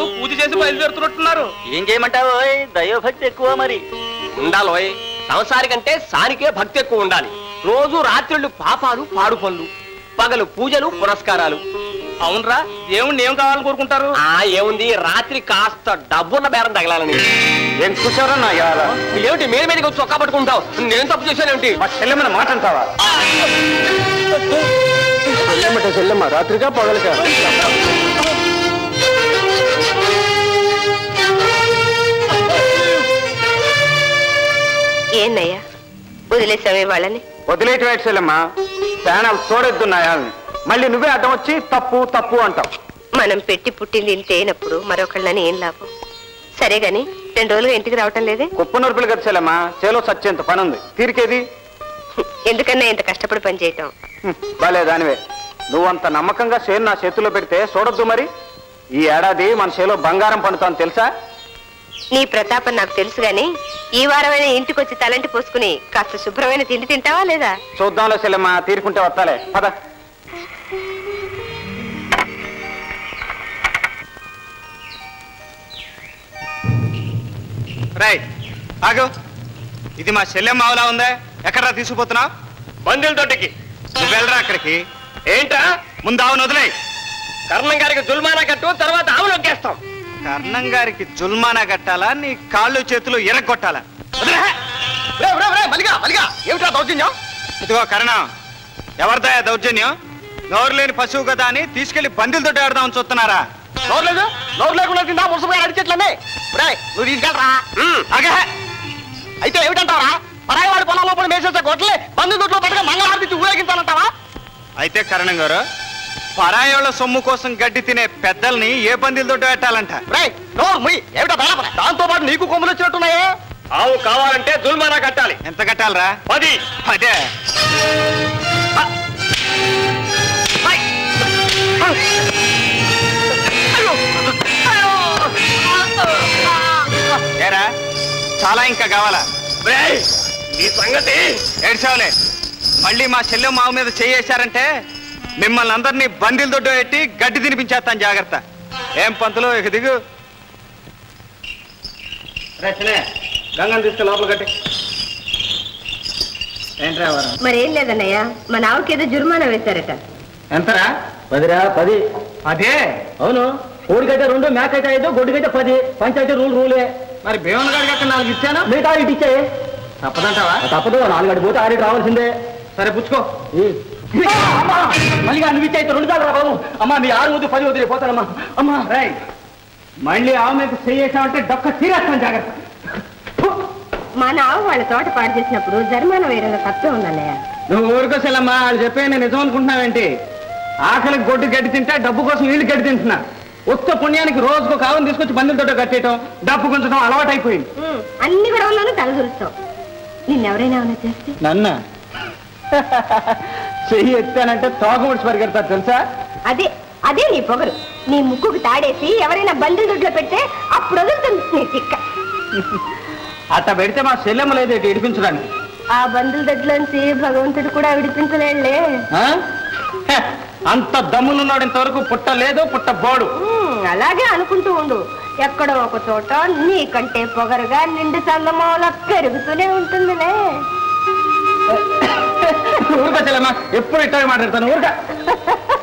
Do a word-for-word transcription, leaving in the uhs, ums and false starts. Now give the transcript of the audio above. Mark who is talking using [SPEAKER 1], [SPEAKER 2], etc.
[SPEAKER 1] పూజ చేసి బయలుదేరుతున్నట్టున్నారు.
[SPEAKER 2] ఏం చేయమంటావు? దైవభక్తి ఎక్కువ మరి.
[SPEAKER 1] ఉండాలోయ్, సంసారికంటే సానికే భక్తి ఎక్కువ ఉండాలి. రోజు రాత్రుళ్ళు పాపాలు పాడు పనులు, పగలు పూజలు పురస్కారాలు. అవునరా, దేవుణ్ణి ఏం కావాలని కోరుకుంటారు? ఆ ఏముంది, రాత్రి కాస్త డబ్బున్న బేరం తగలాలని.
[SPEAKER 2] ఏం చూసారో నా
[SPEAKER 1] ఏమిటి మీద మీదకి వచ్చి చొక్కా పట్టుకుంటావు? నేను తప్పు చేశానేమిటి?
[SPEAKER 2] మా చెల్లెమ్మని మాట అంటావా? చెల్లెమ్మట చెల్లెమ్మ రాత్రిగా పగలక
[SPEAKER 3] ఏందయ్యా వదిలేసావే వాళ్ళని?
[SPEAKER 2] వదిలేటి వేటి చెల్లెమ్మ, ప్రాణాలు తోడెద్దున్నాయాలని మళ్ళీ నువ్వే అడ్డం వచ్చి తప్పు తప్పు అంటావు.
[SPEAKER 3] మనం పెట్టి పుట్టింది ఇంత అయినప్పుడు మరొకళ్ళని ఏం లాభం? సరే గాని రెండు రోజులుగా ఇంటికి రావటం లేదే?
[SPEAKER 2] కుప్ప నొరుపులు కదా చెల్లెమ్మ, చేలో సచ్చేంత పని ఉంది, తీరికేది
[SPEAKER 3] ఎందుకన్నా ఇంత కష్టపడి పని చేయటం?
[SPEAKER 2] బాలే దానివే, నువ్వంత నమ్మకంగా చేను నా చేతుల్లో పెడితే చూడొద్దు మరి. ఈ ఏడాది మన చేలో బంగారం పండుతాను తెలుసా?
[SPEAKER 3] నీ ప్రతాపం నాకు తెలుసు గాని ఈ వారమైన ఇంటికి వచ్చి తలంటి పోసుకుని కాస్త శుభ్రమైన తిండి తింటావా లేదా?
[SPEAKER 2] చూద్దాంలో చెల్లెమ్మ, తీరుకుంటే వస్తాలే పద.
[SPEAKER 4] రైట్ ఆగు. ఇది మా చెల్లెమ్మ ఆవులా ఉందా? ఎక్కడా తీసుకుపోతున్నావు?
[SPEAKER 1] బంధువుల తోటికి.
[SPEAKER 4] నువ్వు వెళ్ళరా అక్కడికి.
[SPEAKER 1] ఏంటా?
[SPEAKER 4] ముందు ఆవును వదిలే.
[SPEAKER 1] కర్ణం గారికి జుల్మానా కట్టు, తర్వాత ఆవులు నొక్కేస్తాం.
[SPEAKER 4] కర్ణం గారికి జుల్మానా కట్టాలా, నీ కాళ్ళు చేతులు ఎరగొట్టాలా?
[SPEAKER 1] ఏమిటా దౌర్జన్యం?
[SPEAKER 4] ఇదిగో కర్ణం, ఎవరిదా దౌర్జన్యం? నోరు లేని పశువు కదా అని తీసుకెళ్లి బందీలతో ఆడదామని చూస్తున్నారా?
[SPEAKER 1] నోరు లేదు, నోరు లేకుండా తిందా ముసుగు అడిచెట్లనే. నువ్వు తీసుకెళ్ళరా?
[SPEAKER 4] అగే
[SPEAKER 1] అయితే ఏమిటంటావా? పరాయి వాడి పొలం లోపల మేసేసే గొడ్లే బంధు దొడ్లో పట్టుగా మంగళహారతి ఊరేగించాలంటావా?
[SPEAKER 4] అయితే కరణం గారు, పరాయోళ్ళ సొమ్ము కోసం గడ్డి తినే పెద్దల్ని ఏ బందీలతో పెట్టాలంట?
[SPEAKER 1] ఏమిటా దాంతో పాటు నీకు కొమ్ములు వచ్చినట్టున్నాయే. ఆవు కావాలంటే జుల్మానా కట్టాలి.
[SPEAKER 4] ఎంత కట్టాలరా?
[SPEAKER 1] పది.
[SPEAKER 4] అదే ఏరా, చాలా ఇంకా కావాలా?
[SPEAKER 1] నీ సంగతి
[SPEAKER 4] ఏడ్చావులే. మళ్ళీ మా చెల్లె మావు మీద చేయేశారంటే మిమ్మల్ని అందరినీ బందీల దొడ్డు పెట్టి గడ్డి తినిపించేస్తాను, జాగ్రత్త. ఏం పంతులు, ఇక దిగు. గంగం తీసుకు లోపల కట్టి. ఏంట్రా
[SPEAKER 3] మరేం లేదన్నయ్య, మన ఆవుకి ఏదో జుర్మానా వేశారట.
[SPEAKER 2] ఎంతరా? పదిరా? పది.
[SPEAKER 4] అదే
[SPEAKER 2] అవును, కోడికైతే రెండు, మేకైతే ఐదు, గొడ్డుకైతే పది. పంచాయతీ రూల్ రూలే.
[SPEAKER 4] మరి భీమన్ గారికి అక్కడ నాలుగు ఇచ్చాను,
[SPEAKER 2] మిగతా ఇటు ఇచ్చాయి.
[SPEAKER 4] తప్పదంటావా?
[SPEAKER 2] తప్పదు, నాలుగు అడి పోతే ఆడికి రావాల్సిందే.
[SPEAKER 4] సరే పుచ్చుకో.
[SPEAKER 2] మళ్ళీ నువ్వు ఇచ్చే రెండు చాలు రా బాబు. అమ్మా మీ ఆరు వద్దు, పది వదిలే పోతానమ్మా. అమ్మా
[SPEAKER 4] రై, మళ్ళీ ఆవు మీద చేయేసామంటే డొక్క తీరేస్తాను, జాగ్రత్త.
[SPEAKER 3] మన ఆవు వాళ్ళ తోట పాడు చేసినప్పుడు జరిమానా వేరేలా తప్పే ఉందన్నయ్య.
[SPEAKER 4] నువ్వు ఊరుకోసలమ్మా, వాళ్ళు చెప్పే నేను నిజం అనుకుంటున్నావేంటి? ఆకలికి గొడ్డు గడ్డి తింటా, డబ్బు కోసం వీళ్ళు గడ్డి తింటున్నా. ఒక్క పుణ్యానికి రోజుకు కావును తీసుకొచ్చి బంధువులతో కట్టేయటం, డబ్బు గుంచడం అలవాటు అయిపోయింది.
[SPEAKER 3] అన్ని గొడవల్లోనూ తలదూరుస్తావు. నిన్నెవరైనా ఏమైనా చేస్తే?
[SPEAKER 4] నన్న చెయ్యి ఎత్తానంటే తోక ముడిచి పరిగెడతారు తెలుసా?
[SPEAKER 3] అదే అదే నీ పొగరు. నీ ముక్కుకు తాడేసి ఎవరైనా బంధువుల దొడ్లో పెడితే అప్పుడు వదులుతుంది నీ తిక్క.
[SPEAKER 4] అట్ట పెడితే మా చెల్లెమ్మ లేదు ఇటు ఇడిపించడానికి.
[SPEAKER 3] ఆ బంధువుల దొడ్లోంచి భగవంతుడు కూడా విడిపించలేడులే.
[SPEAKER 4] అంత దమ్ములున్నాడు ఇంతవరకు పుట్ట లేదు, పుట్ట బోడు.
[SPEAKER 3] అలాగే అనుకుంటూ ఉండు, ఎక్కడో ఒక చోట నీకంటే పొగరుగా నిండు చల్లమూల పెరుగుతూనే ఉంటుందిలే.
[SPEAKER 4] ఊరుక చెల్లెమ్మ, ఎప్పుడు ఇట్టాగే మాట్లాడతాను. ఊరుక